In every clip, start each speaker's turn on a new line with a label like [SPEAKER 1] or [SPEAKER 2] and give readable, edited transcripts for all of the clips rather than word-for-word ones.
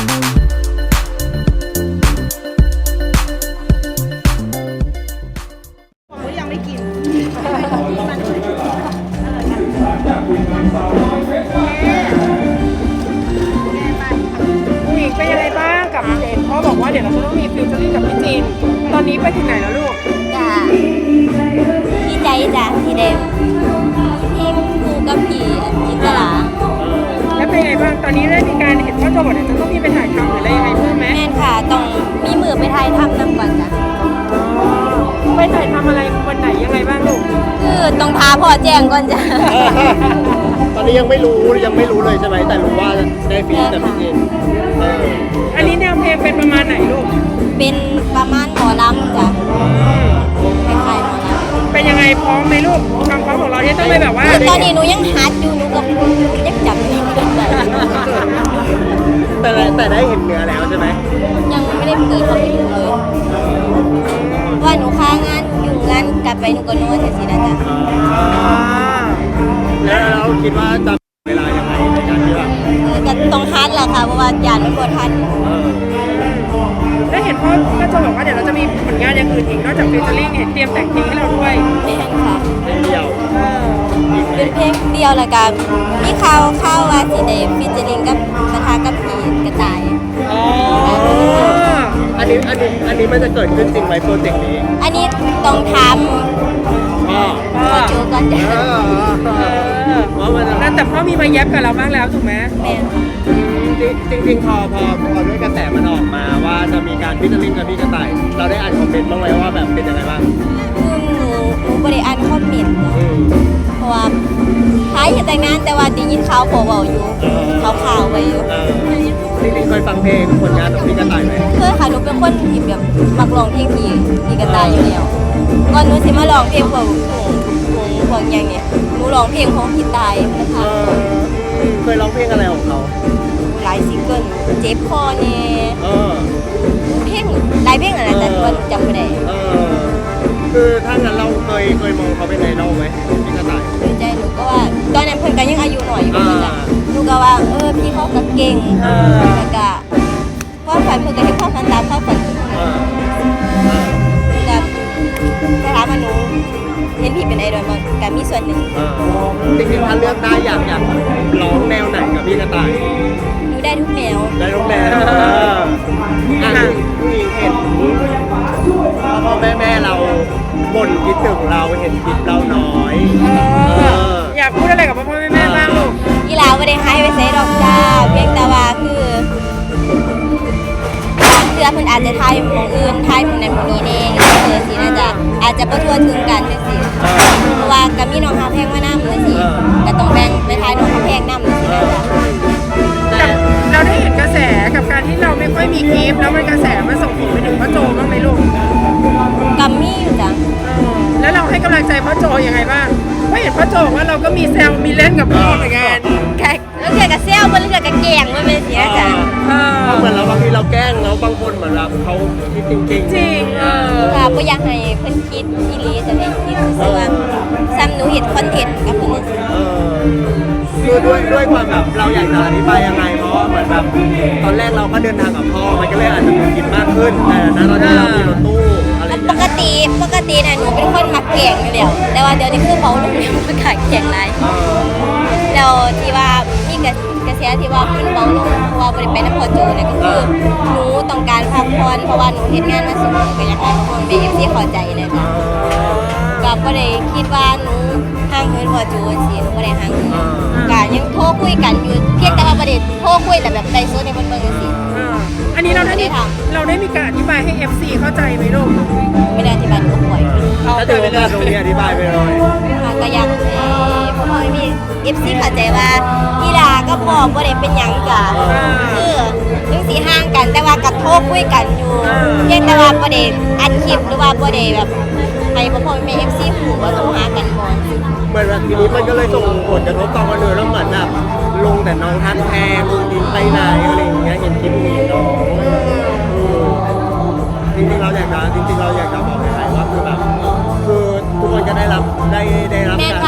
[SPEAKER 1] ยังไม่กินผู้หญิงเป็นยังไงบ้างกับเจนพ่อบอกว่าเดี๋ยวเราจะต้องมีฟิวเจอริ่งกับพี่จีนตอนนี้ไปถึงไหนแล้วลูก
[SPEAKER 2] จ้าดีใจจ้ะที่ได้ทีมครูกับพี่จินตลา
[SPEAKER 1] แล้วเป็นยังไงบ้างตอนนี้ได้มีการเห็นว่าตัวบทจะต้องมีไปถ่ายทำหรืออะไรยังไงเพิ่มไหม
[SPEAKER 2] แม่นค่ะต้องมีมือไปถ่ายทำนำก่อนจ้ะ
[SPEAKER 1] ไปถ่ายทำอะไรวันไหนยังไงบ้างลูก
[SPEAKER 2] คือต้องพาพ่อแจ้งก่อนจ้ะ
[SPEAKER 3] ตอนนี้ยังไม่รู้เลยใช่ไหมแต่รู้ว่าได้ฟีดจากพี่จิน
[SPEAKER 1] อันนี้แนวเพลงเป็นประมาณไหนลูก
[SPEAKER 2] เป็นประมาณหมอลำจ้ะคล้ายๆหมอลำ
[SPEAKER 1] เป็นยังไงพร้อมไหมลูกความพร้อมของเราที่ต้องไปแบบว่า
[SPEAKER 2] ตอนนี้หนูยังฮัดอยู่หนูก็ยังจำไม่ได้
[SPEAKER 3] แต่ได้เห็นเนื้อแล้วใช่ไหม
[SPEAKER 2] ยังไม่ได้เปิดเข้าไปดูเลยว่าหนูค้างานอยู่งานกลับไปหนูก็นอนสินะจ๊ะ
[SPEAKER 3] แล้วเราคิดว่าจะเวลายังไงในการที่ว่า
[SPEAKER 2] ก็ต้องฮัดแหละค่ะเพราะว่าญาติไม่ควรฮัด
[SPEAKER 1] ได้เห็นพ่อก็จะบอกว่าเดี๋ยวเราจะมีผลงานอย่างอื่นอีกนอกจากฟิวเจอริ่งเนี่ยเตรียมแต่งเพลงให้เราด้วย
[SPEAKER 2] ไม่ใช่ค่ะ
[SPEAKER 3] เป็นเดียว
[SPEAKER 2] เป็นเพลงเดียวละกันมีข่าวว่าสิเดฟฟิชเชอริงกับกระทากับผีกระต่าย
[SPEAKER 3] อันนี้มันจะเกิดขึ้นจริงไหมโปรเจกต์นี้
[SPEAKER 2] อันนี้ต้องทำพ่อจูก่อนจ้ะ
[SPEAKER 1] แต่พ่อมีมาแยบกับเราบ้างแล้วถูกไหม
[SPEAKER 2] แม่
[SPEAKER 3] จริงพอด้วยกระแสมันออกมาว่าจะมีการฟิชเชอริ่งกับพี่กระต่ายเราได้อ่านคอมเมนต์บ้างไหมว่าแบบเป็นยังไงบ้าง
[SPEAKER 2] หนูบริอ่านคอมเมนต์เพราะว่าท้ายแต่งงานแต่ว่าได้ยินข่าวพอเบาอยู่ข่าวไปอยู่
[SPEAKER 3] จริงเคยฟังเพลงผลงานของพี่กระต่ายไหม
[SPEAKER 2] เคยค่ะหนูเป็นคนที่แบบมักร้องเพลงพี่กระต่ายอยู่แล้วก่อนหนูสิมาร้องเพลงพวกอย่างเนี้ยหนูร้องเพลงของพี่ตายนะคะ
[SPEAKER 3] เคยร้องเพลงอะไรของเขา
[SPEAKER 2] หลายซิงเกิลเจ็บคอเนี่ยเพลงหลายเพลงอะไรแต่ตัวจำไม่ได้
[SPEAKER 3] คือถ้างั้นเราเคยมองเขาเป็นไอดอลไหมพี่กระต่าย
[SPEAKER 2] ใจหนูก็ว่าตอนนั้นเพิ่นก็ยังอายุหน่อยอยู่เหมือนกันหนูก็ว่าพี่เขาก็เก่งแล้วก็ความฝันเพิ่นก็ให้ความฝันตามความฝันกับสถาบันหนูเห็นพี่เป็นไอดอลมันก็มีส่วนหนึ่ง
[SPEAKER 3] จริงๆถ้าเลือกได้อยากร้องแนวไหนกับพี่กระต่าย
[SPEAKER 2] หนูได้ทุกแนว
[SPEAKER 3] ได้ทุกแนวผู้หญิงเห็นพ่อแม่เราบ่นคิดถึงเราเห็นคลิปเราน้อย
[SPEAKER 1] อยากพูดอะไรกับพ่อแม่บ้างลูก
[SPEAKER 2] กีฬาไม่ได้ให้ไปใส่ดอกจ้าเพียงแต่ว่าคือเสื้อเพิ่นอาจจะทายหมองอื่นทายหมองนั้นหมองนี้เองสินะจ๊ะอาจจะประทวนถึงกันจังซี่เพราะว่าก็มีน้องหาแพงมานำจังซี่ก็ต้องแบ่งไปทายน้องหาแพงนำจังซี่นะจ๊ะ
[SPEAKER 1] เราได้เห็นกระแสกับการที่เราไม่ค่อยมีคลิปแล้วมันกระแสมันส่งผลไปถึงพ่อโจบ้างไหมลูก
[SPEAKER 2] กัมมี่อยู่จ้ะ
[SPEAKER 1] แล้วเราให้กำลังใจพ่อโจยังไงบ้างเพราะเห็นพ่อโจว่าเราก็มีแซวมีเล่นกับพ่อเหมือนกัน
[SPEAKER 2] แล้วเกิดกับเซลมันเกิดกับแกงมันเป็นเสียจ้ะ
[SPEAKER 3] เหมือนเราบางทีเราแกล้งแล้วบางคนเหมือนเราเขาคิดจริง
[SPEAKER 2] ค่ะก็อยากให้เพิ่นคิดอีหลีจะเป็นคิดคือว่าซ้ำหนูเห็นคอนเทนต์กับเพิ่น
[SPEAKER 3] คือด้วยความแบบเราอยากจะอธิบายยังไงเพราะว่าเหมือนแบบตอนแรกเราก็เดินทางกับพ่อมันก็เลยอาจจะมีคิดมากขึ้นแต่นะตอนที่เรามีรถตู้อะไร
[SPEAKER 2] ปกติน่ะหนูเป็นคนมักแกงอยู่แล้วแต่ว่าเดี๋ยวนี้คือเบาลงแล้วมันขาดแกงไรแล้วที่ว่ามีกระแสที่ว่าขึ้นเบาลงเพราะว่าบริเป็นน้ำพอจูเนี่ยก็คือหนูต้องการพักผ่อนเพราะว่าหนูเฮ็ดงานมาสูงก็อยากให้คนเป็นFCเข้าใจนะจ๊ะก็บ่ได้คิดว่าหนูห่างเหินพอจูสิหนูบ่ได้ห่างเหินก็ยังโทรคุยกันอยู่เพียงแต่ว่าบ่ได้โทรคุยแต่แบบไลฟ์สดให้เพิ่นเบิ่งจังซี่
[SPEAKER 1] อันนี้เราได้มีการอธิบายให้ FC เข้าใจไหมลูก
[SPEAKER 2] ไม่ได้อธิบายก็ป่วย
[SPEAKER 3] ถ้าเจอว่าตรงนี้อธิบายไปเลย
[SPEAKER 2] ก็อยากพ่อมี FC เข้าใจว่ากีฬาก็พอบ่ได้เป็นหยังจ้ะคือถึงสิห่างกันแต่ว่าก็โทรคุยกันอยู่เพียงแต่ว่าบ่ได้อัดคลิปหรือว่าบ่ได้แบบให้พ่อแม่ FC ฮู้ว่าต้องหากันบ่
[SPEAKER 3] เหมือนแบบทีนี้มันก็เลยส่งผลกระทบต่อคนอื่นแล้วเหมือนแบบลงแต่น้องทักแพงดินไปไหนอะไรอย่างเงี้ยเห็นคลิปนี้น้องจริงๆเราอยากจะบอกใครว่าคือแบบคือทุกคนจะได้รับ
[SPEAKER 2] แม่ค่ะ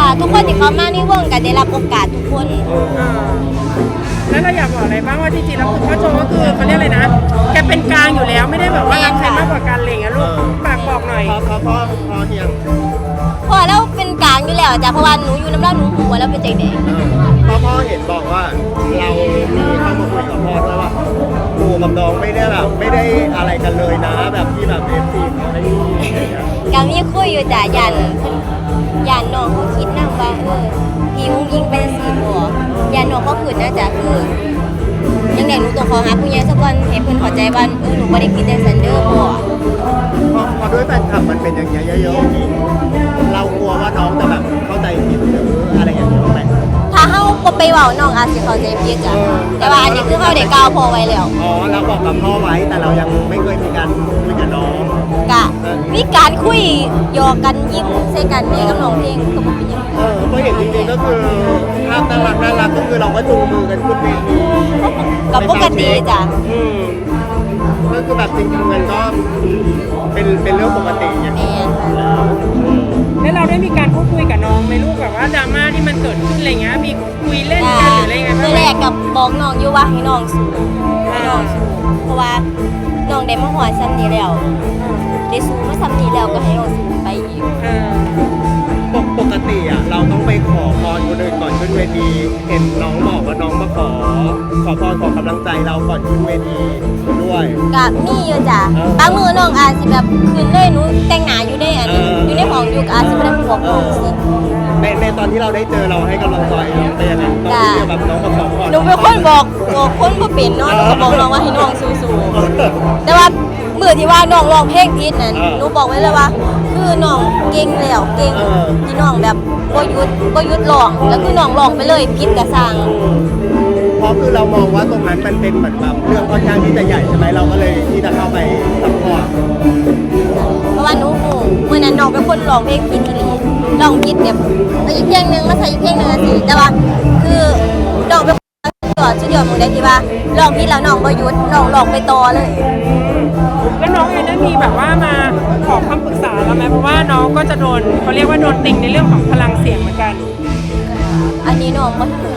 [SPEAKER 2] ทุกคนที่เขามาในวงก็ได้รับโอกาสทุกคน
[SPEAKER 1] แล้วเราอยากบอกอะไรบ้างว่าจริงๆแล้วคือพ่อโจก็คือเขาเรียกอะไรนะแกเป็นกลางอยู่แล้วไม่ได้แบบว่ารักใครมากกว่ากันอะไรอย่างเงี้ยลูกฝากบอกหน่อย
[SPEAKER 3] พอเฮียง
[SPEAKER 2] เพราะเราเป็นกลางอยู่แล้วจ้ะเพราะว่าหนูอยู่น้ำเล่าหนูหัวแล้วเป็นใจแดง
[SPEAKER 3] พ่อเห็นบอกว่าเรามีเข้ามาคุยกับพ่อด้วยว่าปู่กับน้องไม่ได้แบบไม่ได้อะไรกันเลยนะแบบที่แบบเอฟซีเขาให้อย่างเงี้ย
[SPEAKER 2] ก็มีคุยอยู่จ้ะยันน้องเขาคิดนะว่าพี่อุ้งยิงเป็นสีบัวยันน้องเขาขืนนะจ้ะคือยังไงหนูต้องขอหาผู้ใหญ่สักวันให้เพื่อนเข้าใจว่าหนูไม่ได้คิดแต่ซันเดอร์บัว
[SPEAKER 3] พอด้วยแฟนคลับมันเป็นอย่างเงี้ยเยอะๆเรากลัวว่าน้องจะแบบเข้าใจผิดหรืออะไรอย่างเงี้ยไหม
[SPEAKER 2] ถ้าเฮาบ่ไปเว้าน้องอาจสิเข้าใจผิดจ้ะแต่ว่าอันนี้คือเฮาได้กล่าวพอไว้แล้ว
[SPEAKER 3] อ๋อเราบอกกับพ่อไว้แต่เรายังไม่เคยมีการคุยกับน้อง
[SPEAKER 2] กะมีการคุยหยอกกันยิ้มใส่กันเนี่ยกับน้องเพลงก็บ่เป็นหยัง
[SPEAKER 3] เพราะเห็นจริงๆก็คือภาพน่ารักก็คือเราก็จูงมือกันขึ้นเวที
[SPEAKER 2] กับปกติจ้ะ
[SPEAKER 3] ก็คือแบบจริงๆมันก็เป็นเรื่องปกติอย่าง
[SPEAKER 2] แม่
[SPEAKER 3] นี้
[SPEAKER 2] น
[SPEAKER 1] แล้วเราได้มีการพูดคุยกับน้องไหมลูกแบบว่าดราม่าที่มันเกิดขึ้นอะไรเงี้ยมีคุยเล่นกันหรืออะไรเงี้ย
[SPEAKER 2] คือแรกกับบอกน้องอยู่ว่าให้น้องสู้ให้น้องสู้เพราะว่าน้องได้มาหอดซ้ำนี้แล้วได้สู้มาซ้ำนี้แล้วก็ให้น้องสู้ไปอีก
[SPEAKER 3] ปกติอ่ะเราต้องไปขอพรคนอื่นก่อนขึ้นเวทีเห็นน้องบอกว่าน้องมาขอพรขอกำลังใจเราก่อนขึ้นเวทีด้วย
[SPEAKER 2] กับมีอยู่จ้ะบางมือน้องอาจสิแบบคืนเลยหนูแต่งหน้าอยู่ในอันนี้อยู่ในห้องอยู่ก็อาจสิบ่ได้บอกน้องสิ
[SPEAKER 3] ในตอนที่เราได้เจอเราให้กำลังใจเราเป็นยังไงตอนที่แบบน้องมาขอพร
[SPEAKER 2] หนูเป็นคนบอกคนบ่เป็นเนาะหนูก็บอกน้องว่าให้น้องสู้ๆแต่ว่ามื้อที่ว่าน้องร้องเพลงผิดนั่นหนูบอกไว้เลยว่า คือน้องเก่งแล้วเก่งที่น้องแบบบ่หยุดร้องแล้วคือน้องร้องไปเลยผิดก็สร้าง
[SPEAKER 3] เพราะคือเรามองว่าตรงนั้นมันเป็นเหมือนแบบเรื่องค่อนข้างที่จะใหญ่ใช่ไหมเราก็เลยที่จะเข้าไปซัพพอร์ต
[SPEAKER 2] เพราะว่าหนูฮู้มื้อนั้นน้องเป็นคนร้องเพลงผิดอีหลีร้องผิดแบบเอาอีกเพลงหนึงมาใส่อีกเพลงหนึงจังซี่แต่ว่าคือน้องเป็นคนสุดยอดหมู่ได้ที่ว่าร้องผิดแล้วน้องบ่หยุดน้องร้องไปต่อเลย
[SPEAKER 1] แล้วน้องเองได้มีแบบว่ามาขอคำปรึกษาเราไหมเพราะว่าน้องก็จะโดนเขาเรียกว่าโดนติงในเรื่องของพลังเสียงเหมือนกัน
[SPEAKER 2] อันนี้น้องบ่รู้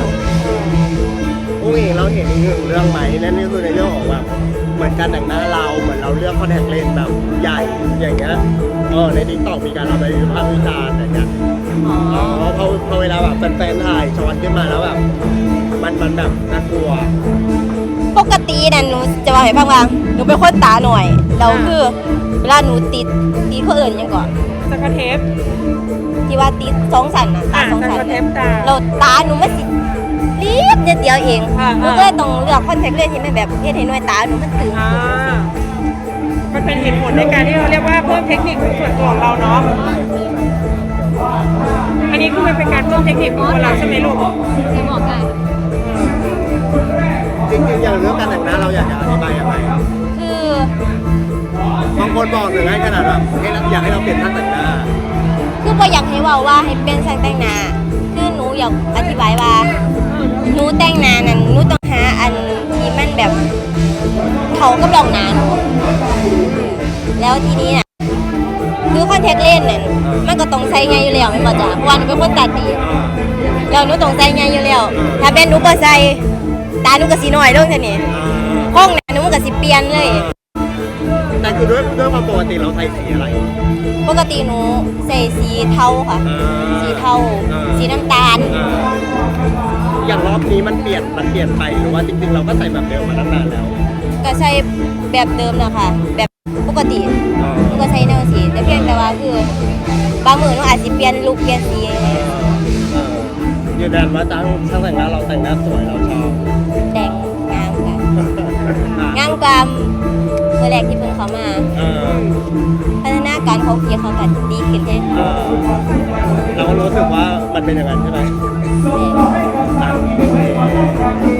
[SPEAKER 3] อุ้งเองเราเห็นอีกหนึ่งเรื่องไหมนั่นก็คือในเรื่องของแบบเหมือนการแต่งหน้าเราเหมือนเราเลือกคอนแทคเลนส์แบบใหญ่อย่างเงี้ยในทิกตอกมีการเอาไปวิพากษ์วิจารณ์อย่างเงี้ยพอเวลาแบบแฟนๆถ่ายช้อนขึ้นมาแล้วแบบมันแบบน่ากลัว
[SPEAKER 2] ปกติน่ะหนูจะบอกให้ฟังว่าหนูเป็นคนตาหน่อยแล้วคือเวลาหนูติดเขาเอิ้นหยังก่อน
[SPEAKER 1] สกอตเทป
[SPEAKER 2] ที่ว่าติดสองสันน่ะตาสอง
[SPEAKER 1] ส
[SPEAKER 2] สั
[SPEAKER 1] กอต
[SPEAKER 2] น
[SPEAKER 1] เทปตา
[SPEAKER 2] เราตาหนูมันสิรีบนิดเดียวเอง
[SPEAKER 1] อ่า
[SPEAKER 2] หนูก็เลยต้องเลือกคอนแทคเลนส์ที่มันแบบเฮ็ดให้หน่วยตาหนูมันตึง
[SPEAKER 1] อ่ามันเป็นเหตุผลในการที่เราเรียกว่าเพิ่มเทคนิคส่วนตัวของเราเนาะอันนี้คือมันเป็นการเพิ่มเทคนิคของตัวเราใช่ไหมลูก
[SPEAKER 2] จะบอกได้
[SPEAKER 3] จริงๆอย่างเรื่องการแต่งหน้าเราอยากจะอธิบายยังไง
[SPEAKER 2] คือบ
[SPEAKER 3] างคนบอกถึงให้ขนาดแบบอยากให้เราเปลี่ยนท่าแต่งหน้า
[SPEAKER 2] คือบ่อยากให้เว้าว่าให้เป็นช่างแต่งหน้าคือหนูอยากอธิบายว่าหนูแต่งหน้านั่นหนูต้องหาอันที่มันแบบเข้ากับรองหน้าหนูแล้วทีนี้น่ะคือคอนแทคเลนส์นั่นมันก็ต้องใส่ไงอยู่แล้วแม่นบ่จ๊ะเพราะว่าหนูเป็นคนตาดีแล้วหนูต้องใส่ไงอยู่แล้วถ้าเป็นหนูบ่ใส่ตาหนูก็สิน้อยลงเท่านี้ห้องหน้าหนูมันก็สิเปลี่ยนเลย
[SPEAKER 3] แต่คือด้วยความปกติเราใช้สีอะไร
[SPEAKER 2] ปกติหนูใส่สีเทาค่ะ สีเทาสีน้ำตาล
[SPEAKER 3] อย่างรอบนี้มันเปลี่ยนไปหรือว่าจริงๆเราก็ใส่แบบเดิมมาตั้งนานแล้ว
[SPEAKER 2] ก็ใช้แบบเดิมนะคะแบบปกติหนูก็ใช้แนวสีแต่เพียงแต่ว่าคือบางมื้อหนูอาจสิเปลี่ยนลุคเปลี่ยนสี
[SPEAKER 3] ยืนยันว่าช่างแต่งหน้าเราแต่งหน้าสวยเราชอบ
[SPEAKER 2] แต่งงามค่ะงามกว่าเมื่อแรกที่เพิ่งเข้ามาพัฒนาการของพี่เขาก็ดีขึ้นแน่
[SPEAKER 3] เราก็รู้สึกว่ามันเป็นอย่างนั้นใช่ไหม